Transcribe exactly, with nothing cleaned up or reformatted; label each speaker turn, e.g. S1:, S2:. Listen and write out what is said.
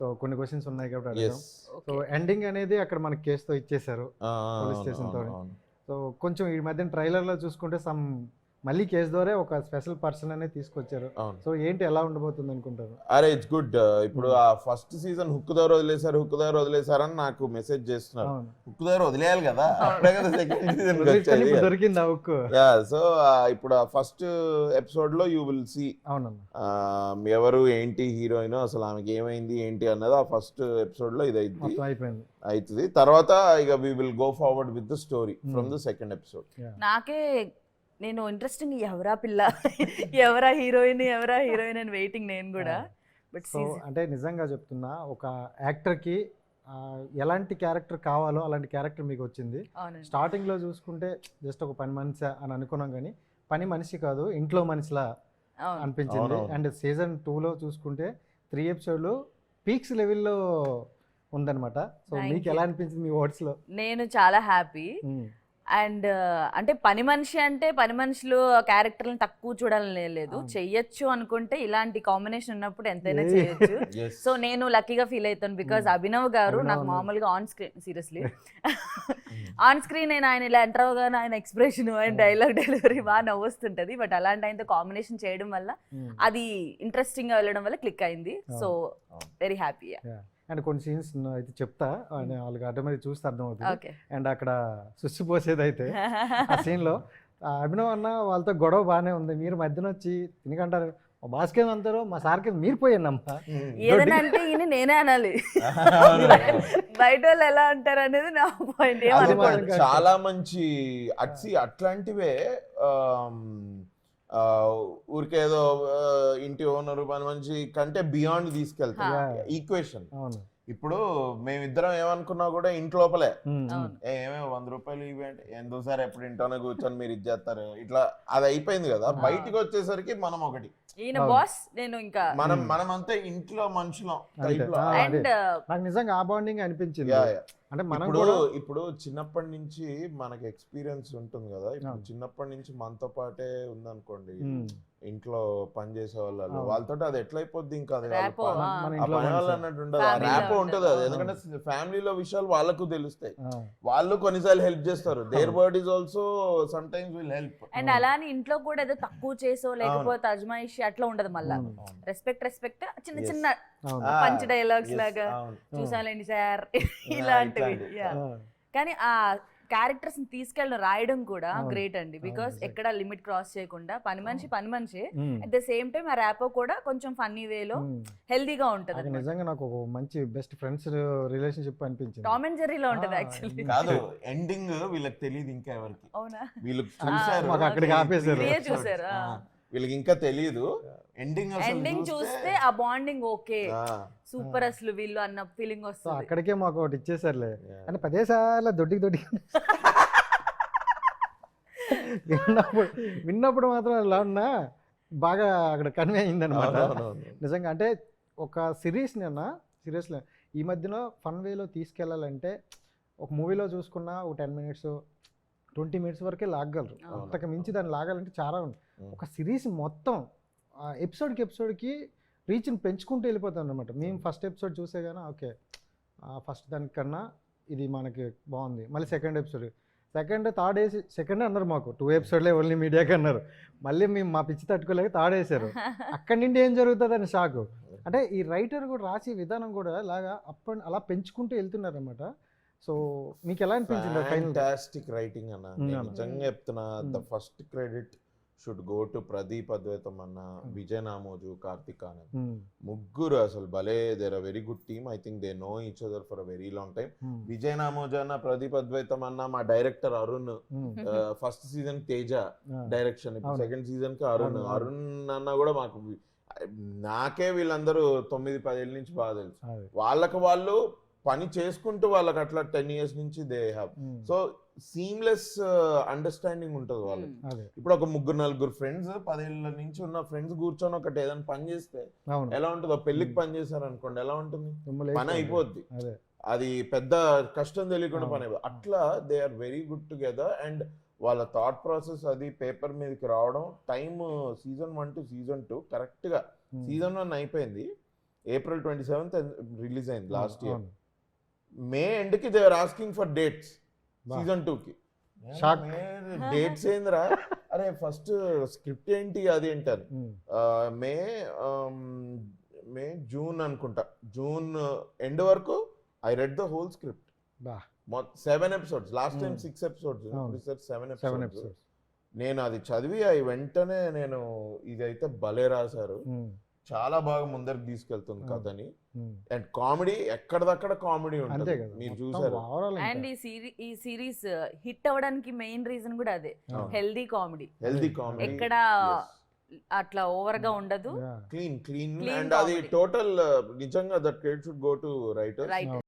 S1: So కొన్ని questions ఉన్నాయి కాబట్టి అడుగుదాం.
S2: ఎస్
S1: సో ఎండింగ్ అనేది అక్కడ మనకి కేసుతో ఇచ్చేసారు పోలీస్
S2: అవును
S1: స్టేషన్ తో.
S2: అవును అవును
S1: సో కొంచెం ఈ మధ్యన ట్రైలర్ లో చూసుకుంటే సమ్ మళ్ళీ కేసు ద్వారా ఒక స్పెషల్ పర్సన్ అనేది తీసుకొచ్చారు.
S2: అవును
S1: సో ఏంటి ఎలా ఉండబోతుంది అనుకుంటారు?
S2: అరే ఇట్స్ గుడ్. ఇప్పుడు ఆ ఫస్ట్ సీజన్ హుక్ దగ్గర వదిలేశారు హుక్ దగ్గర వదిలేశారని నాకు మెసేజ్ చేస్తున్నారు.
S1: అవును,
S2: హుక్ దగ్గర వదిలేయాలి కదా, అప్పుడే కదా సెకండ్ సీజన్
S1: వదిలేస్తేనే ఇప్పుడు దొరికింది ఆ ఉక్కు.
S2: యా సో ఇప్పుడు ఆ ఫస్ట్ ఎపిసోడ్ లో యూ విల్ సీ
S1: అవునమ్మా,
S2: ఎవరు ఏంటి హీరోయిన్, అసలు ఆమెకి ఏమైంది ఏంటి అన్నది ఆ ఫస్ట్ ఎపిసోడ్ లో ఇది అయింది
S1: మొత్తం అయిపోయింది.
S2: అవుతుంది. తర్వాత ఇక we will go forward with the story from the second episode.
S3: నాకే నేను ఇంట్రెస్టింగ్ ఎవరా పిల్ల ఎవరా హీరోయిన్ ఎవరా హీరోయిన్ అని వెయిటింగ్ నేను కూడా. బట్
S1: సో అంటే నిజంగా చెప్తున్నా, ఒక యాక్టర్ కి ఆ, ఎలాంటి క్యారెక్టర్ కావాలో అలాంటి క్యారెక్టర్ మీకు వచ్చింది. స్టార్టింగ్ లో చూసుకుంటే జస్ట్ ఒక పని మనిషి అని అనుకున్నాం, కానీ పని మనిషి కాదు ఇంట్లో మనిషిలా అనిపించింది. అండ్ సీజన్ టూలో చూసుకుంటే త్రీ ఎపిసోడ్లు పీక్స్ లెవెల్లో ఉందన్నమాట. సో మీకు ఎలా అనిపించింది మీ వర్డ్స్ లో?
S3: నేను చాలా హ్యాపీ. అండ్ అంటే పని మనిషి అంటే పని మనుషులు క్యారెక్టర్లను తక్కువ చూడాలని లేదు, చెయ్యొచ్చు అనుకుంటే ఇలాంటి కాంబినేషన్ ఉన్నప్పుడు ఎంతైనా చేయొచ్చు. సో నేను లక్కీగా ఫీల్ అవుతాను బికాజ్ అభినవ్ గారు నాకు మామూలుగా on screen seriously on screen నేను ఆయన ఇలా ఎంటర్ అవగానే ఆయన ఎక్స్ప్రెషన్ ఆయన డైలాగ్ డెలివరీ బాగా నవ్వుస్తుంటది. బట్ అలాంటి ఆయనతో కాంబినేషన్ చేయడం వల్ల అది ఇంట్రెస్టింగ్ గా వెళ్ళడం వల్ల క్లిక్ అయింది. So very happy.
S1: అండ్ కొన్ని సీన్స్ అయితే చెప్తా, వాళ్ళకి ఆటోమేటిక్ చూస్తే అర్థమవుతుంది. అండ్ అక్కడ సుస్సు పోసేది అయితే ఆ సీన్ లో అభినవ్ అన్న వాళ్ళతో గొడవ బాగానే ఉంది, మీరు మధ్యన వచ్చి తినకంటారు మా బాస్కే అంటారు మా సార్కి మీరు పోయిందమ్మా
S3: ఏదైనా అంటే ఈయన నేనే అనాలి, బయట వాళ్ళు ఎలా అంటారు అనేది నా పాయింట్.
S2: చాలా మంచి అట్సి అట్లాంటివే ఊరికేదో ఇంటి ఓనరు పని మనిషి కంటే బియాండ్ తీసుకెళ్తాం ఈక్వేషన్. ఇప్పుడు మేమిద్దరం ఏమనుకున్నా కూడా ఇంటి లోపలే ఏమేమి వంద రూపాయలు ఇవి అంటే ఎందుసారి ఎప్పుడు ఇంట్లోనే కూర్చొని మీరు ఇది చేస్తారు ఇట్లా అది అయిపోయింది కదా. బయటికి వచ్చేసరికి మనం ఒకటి,
S3: ఈయన బాస్ నేను ఇంకా
S2: మనం మనం అంతా ఇంట్లో మనుషులం.
S1: నాకు నిజంగా ఆ బాండింగ్ అనిపించింది. అంటే మనం
S2: ఇప్పుడు ఇప్పుడు చిన్నప్పటి నుంచి మనకి ఎక్స్పీరియన్స్ ఉంటుంది కదా. ఇప్పుడు చిన్నప్పటి నుంచి మనతో పాటే ఉందనుకోండి ఇంట్లో పని చేసే వాళ్ళు, వాళ్ళతో అది ఎట్లయిపోద్ది ఇంకా అది పని వాళ్ళు అన్నట్టు ఉండదు, ర్యాపో ఉంటుంది అది. ఎందుకంటే ఫ్యామిలీలో విషయాలు వాళ్ళకు తెలుస్తాయి, వాళ్ళు కొన్నిసార్లు హెల్ప్ చేస్తారు. Their word is also sometimes will help.
S3: And అలానే ఇంట్లో కూడా ఏదో తక్కువ చేసో లేకపోతే అజమాయిషి అట్లా ఉండదు. మళ్ళా రెస్పెక్ట్ రెస్పెక్ట్ చిన్న చిన్న పంచ్ డైలాగ్స్ లాగా చూసాలండి సార్ ఇలాంటివి. కానీ ఆ క్యారెక్టర్స్ తీసుకెళ్ళి రాయడం కూడా గ్రేట్ అండి, బికాస్ ఎక్కడ లిమిట్ క్రాస్ చేయకుండా పని మనిషి పని మనిషి అట్ ద సేమ్ టైం ఆ ర్యాపో కూడా కొంచెం ఫన్నీ వేలో హెల్దీగా ఉంటది.
S1: నిజంగా నాకు ఒక మంచి బెస్ట్ ఫ్రెండ్స్ రిలేషన్షిప్ అనిపించింది.
S3: టామ్ అండ్ జెర్రీలో ఉంటది యాక్చువల్లీ.
S2: కాదు ఎండింగ్ వీళ్ళకి తెలియదు ఇంకా ఎవరికి,
S3: అవునా
S2: వీళ్ళు చూసారు
S1: అక్కడికి ఆపేశారు
S3: చూసారు
S2: వీళ్ళకి ఇంకా తెలియదు. ఎండింగ్
S3: ఎండింగ్ చూస్తే ఆ బాండింగ్ ఓకే సూపర్ అసలు వీళ్ళు అన్న ఫీలింగ్ వస్తుంది.
S1: అక్కడికే మాకు ఒకటి ఇచ్చేసారులే అని పదేసార్లు దొడ్డికి దొడ్డికి విన్నప్పుడు విన్నప్పుడు మాత్రం ఎలా ఉన్నా బాగా అక్కడ కన్వే అయింది అనమాట. నిజంగా అంటే ఒక సిరీస్ని అన్న సీరియస్లీ ఈ మధ్యలో ఫన్ వేలో తీసుకెళ్ళాలంటే ఒక మూవీలో చూసుకున్నా ఒక టెన్ మినిట్స్ ట్వంటీ మినిట్స్ వరకే లాగలరు, అంతకు మించి దాన్ని లాగాలంటే చాలా ఉంది. ఒక సిరీస్ మొత్తం ఎపిసోడ్కి ఎపిసోడ్కి రీచ్ని పెంచుకుంటూ వెళ్ళిపోతాం అనమాట. మేము ఫస్ట్ ఎపిసోడ్ చూసే కానీ ఓకే ఫస్ట్ దానికన్నా ఇది మనకి బాగుంది, మళ్ళీ సెకండ్ ఎపిసోడ్ సెకండ్ థర్డ్ వేసి సెకండ్ అన్నారు, మాకు టూ ఎపిసోడ్లే ఓన్లీ మీడియాకి అన్నారు. మళ్ళీ మేము మా పిచ్చి తట్టుకోలేక థర్డ్ వేసారు. అక్కడి నుండి ఏం జరుగుతుంది అని షాక్. అంటే ఈ రైటర్ కూడా రాసే విధానం కూడా ఇలాగా అప్ప అలా పెంచుకుంటూ వెళ్తున్నారు అనమాట. సో మీకు ఎలా అనిపించింది?
S2: ఫ్యాంటాస్టిక్ రైటింగ్ అన్న, నిజంగా చెప్తున్నా. The first credit should go to Pradeep Advaitham అన్న, విజయ్ నామోజు, కార్తిక్ ఆనంద్, ముగ్గురు అసలు భలే. They're a very good team. I think they know each other for a very long time. Vijay Namoju అన్న, ప్రదీప్ అద్వైతం అన్న, మా director Arun, first season Teja direction, ఇప్పుడు సెకండ్ సీజన్ కి అరుణ్ అరుణ్ అన్న కూడా మాకు నాకే వీళ్ళందరూ తొమ్మిది పదేళ్ళ నుంచి బాగా తెలుసు. వాళ్ళకి వాళ్ళు పని చేసుకుంటూ వాళ్ళకి అట్లా టెన్ ఇయర్స్ నుంచి they have. So seamless understanding ఉంటుంది వాళ్ళకి. ఇప్పుడు ఒక ముగ్గురు నలుగురు ఫ్రెండ్స్ పదేళ్ళ నుంచి ఉన్న ఫ్రెండ్స్ కూర్చొని ఒకటి ఏదైనా పని చేస్తే ఎలా ఉంటుంది? పెళ్లికి పని చేశారు అనుకోండి ఎలా ఉంటుంది? పని అయిపోద్ది, అది పెద్ద కష్టం తెలియకుండా పని అయిపోతుంది. అట్లా they are very good together. And వాళ్ళ థాట్ ప్రాసెస్ అది పేపర్ మీదకి రావడం, time season one to season two correct గా సీజన్ వన్ అయిపోయింది, ఏప్రిల్ ట్వంటీ సెవెంత్ రిలీజ్ అయింది లాస్ట్ ఇయర్.
S1: అవును.
S2: మే ఎండ్ కి దేవర్ ఆస్కింగ్ ఫర్ డేట్స్
S1: బా.
S2: సీజన్ టూ కి.
S1: Shock.
S2: డేట్స్ ఏందిరా, అరే ఫస్ట్ స్క్రిప్ట్ ఏంటి అది ఏంటని.
S1: ఉమ్,
S2: మే మే జూన్ అనుకుంటా, జూన్ ఎండ్ వరకు I read the whole script.
S1: బా
S2: seven episodes, last time
S1: Hmm.
S2: Six episodes,
S1: అవును.
S2: Seven
S1: seven
S2: episodes.
S1: ఎపిసోడ్స్.
S2: నేను అది చదివి అవి వెంటనే నేను ఇదైతే భలే రాశారు, చాలా బాగా ముందరికి తీసుకెళ్తుంది
S1: అవును.
S2: కథని. అండ్ కామెడీ ఎక్కడదక్కడ కామెడీ
S1: అంతే
S2: ఉంటుంది,
S1: కదా
S2: మీరు
S1: మొత్తం
S2: చూసారు.
S1: overall ఇంకా.
S3: అండ్ ఈ సిరీ ఈ సిరీస్ హిట్ అవ్వడానికి మెయిన్ రీజన్ కూడా అదే,
S1: అవును.
S3: Healthy comedy.
S2: హెల్దీ కామెడీ,
S3: ఎక్కడ అట్లా ఓవర్ గా ఉండదు,
S1: Yeah.
S2: Clean clean
S3: Clean
S2: and అది
S3: comedy.
S2: టోటల్ నిజంగా that credit should go to writers.
S3: Right.